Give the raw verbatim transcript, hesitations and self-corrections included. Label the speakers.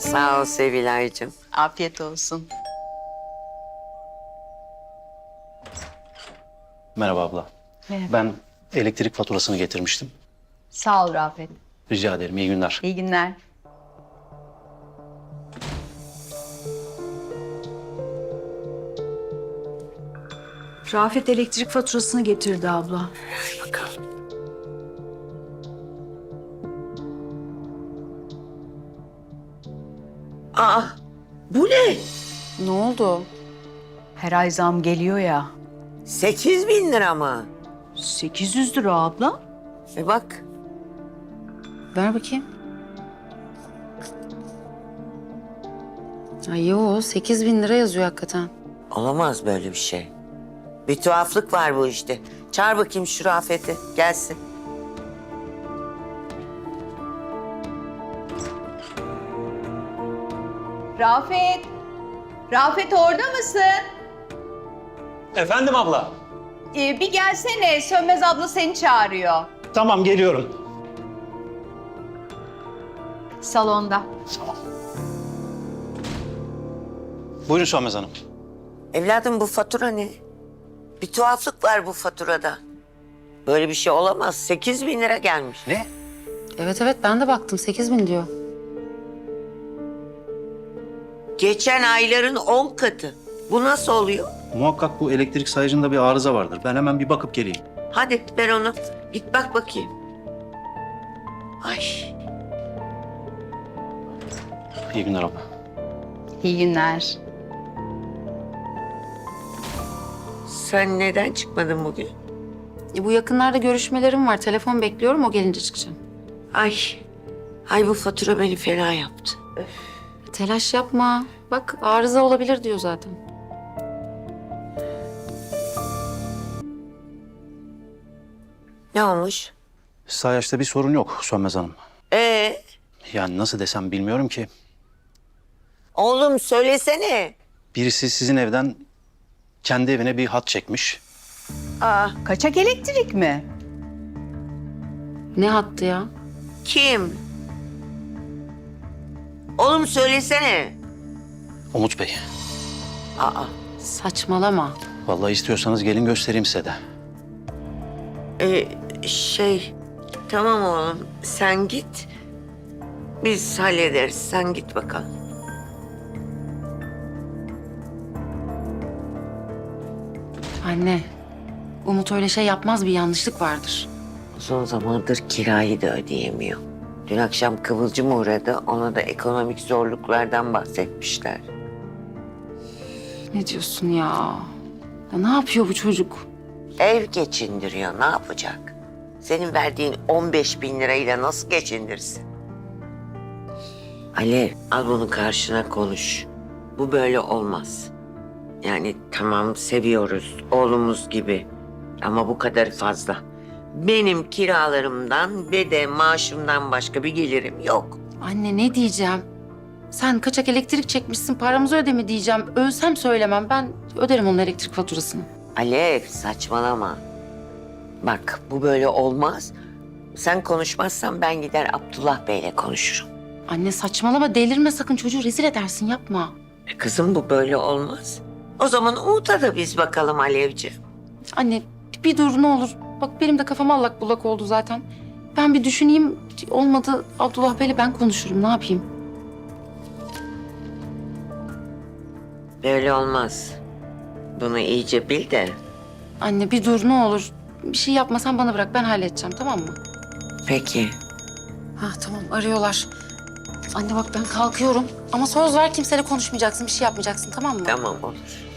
Speaker 1: Sağ ol Sevilay'cığım.
Speaker 2: Afiyet olsun.
Speaker 3: Merhaba abla.
Speaker 2: Merhaba.
Speaker 3: Ben elektrik faturasını getirmiştim.
Speaker 2: Sağ ol Rafet.
Speaker 3: Rica ederim, iyi günler.
Speaker 2: İyi günler.
Speaker 4: Rafet elektrik faturasını getirdi abla.
Speaker 1: Bakalım. Aa, bu ne?
Speaker 4: Ne oldu? Her ay zam geliyor ya.
Speaker 1: Sekiz bin lira mı?
Speaker 4: sekiz yüz lira abla.
Speaker 1: E bak.
Speaker 5: Ver bakayım. Ay yo, sekiz bin lira yazıyor hakikaten.
Speaker 1: Olamaz böyle bir şey. Bir tuhaflık var bu işte. Çağır bakayım şu Rafet'i. Gelsin.
Speaker 2: Rafet. Rafet orada mısın?
Speaker 3: Efendim abla.
Speaker 2: Ee, bir gelsene. Sönmez abla seni çağırıyor.
Speaker 3: Tamam, geliyorum.
Speaker 2: Salonda.
Speaker 3: Buyurun Sönmez Hanım.
Speaker 1: Evladım bu fatura ne? Bir tuhaflık var bu faturada. Böyle bir şey olamaz. Sekiz bin lira gelmiş.
Speaker 3: Ne?
Speaker 5: Evet evet, ben de baktım, sekiz bin diyor.
Speaker 1: Geçen ayların on katı. Bu nasıl oluyor?
Speaker 3: Muhakkak bu elektrik sayacında bir arıza vardır. Ben hemen bir bakıp geleyim.
Speaker 1: Hadi ver onu. Git bak bakayım. Ay.
Speaker 3: İyi günler abla.
Speaker 2: İyi günler.
Speaker 1: Sen neden çıkmadın bugün?
Speaker 5: E, bu yakınlarda görüşmelerim var, telefon bekliyorum, o gelince çıkacağım.
Speaker 1: Ay. Ay bu fatura beni fena yaptı.
Speaker 5: Telaş yapma. Bak, arıza olabilir diyor zaten.
Speaker 1: Ne olmuş?
Speaker 3: Sayaçta bir sorun yok Sönmez Hanım.
Speaker 1: Ee,
Speaker 3: Yani nasıl desem bilmiyorum ki.
Speaker 1: oğlum söylesene.
Speaker 3: Birisi sizin evden kendi evine bir hat çekmiş.
Speaker 1: Aa,
Speaker 2: Kaçak elektrik mi?
Speaker 5: Ne hattı ya?
Speaker 1: kim? Oğlum söylesene.
Speaker 3: Umut Bey.
Speaker 1: Aa,
Speaker 5: Saçmalama.
Speaker 3: Vallahi istiyorsanız gelin göstereyim size de.
Speaker 1: e, şey, tamam oğlum sen git. Biz hallederiz. Sen git bakalım.
Speaker 5: Anne, Umut öyle şey yapmaz, bir yanlışlık vardır.
Speaker 1: Uzun zamandır kirayı da ödeyemiyor. Dün akşam Kıvılcım uğradı. Ona da ekonomik zorluklardan bahsetmişler.
Speaker 5: Ne diyorsun ya? Ya ne yapıyor bu çocuk?
Speaker 1: Ev geçindiriyor. Ne yapacak? Senin verdiğin on beş bin lirayla nasıl geçindirsin? Alev, al bunu karşına konuş. Bu böyle olmaz. Yani tamam seviyoruz oğlumuz gibi. Ama bu kadar fazla. Benim kiralarımdan ve de maaşımdan başka bir gelirim yok.
Speaker 5: Anne ne diyeceğim? Sen kaçak elektrik çekmişsin, paramızı öde mi diyeceğim. Ölsem söylemem, ben öderim onun elektrik faturasını.
Speaker 1: Alev saçmalama. Bak bu böyle olmaz. Sen konuşmazsan ben gider Abdullah Bey'le konuşurum.
Speaker 5: Anne saçmalama, delirme sakın, çocuğu rezil edersin, yapma.
Speaker 1: E kızım bu böyle olmaz. O zaman Umut'a da biz bakalım Alevciğim.
Speaker 5: Anne bir dur ne olur. Bak benim de kafam allak bullak oldu zaten. Ben bir düşüneyim, olmadı Abdullah Bey'le ben konuşurum, ne yapayım?
Speaker 1: Böyle olmaz. Bunu iyice bil de.
Speaker 5: Anne bir dur ne olur. Bir şey yapmasan bana bırak, ben halledeceğim, tamam mı?
Speaker 1: Peki.
Speaker 5: Ha tamam, arıyorlar. Anne bak ben kalkıyorum ama söz ver, kimseyle konuşmayacaksın, bir şey yapmayacaksın, tamam mı?
Speaker 1: Tamam olur.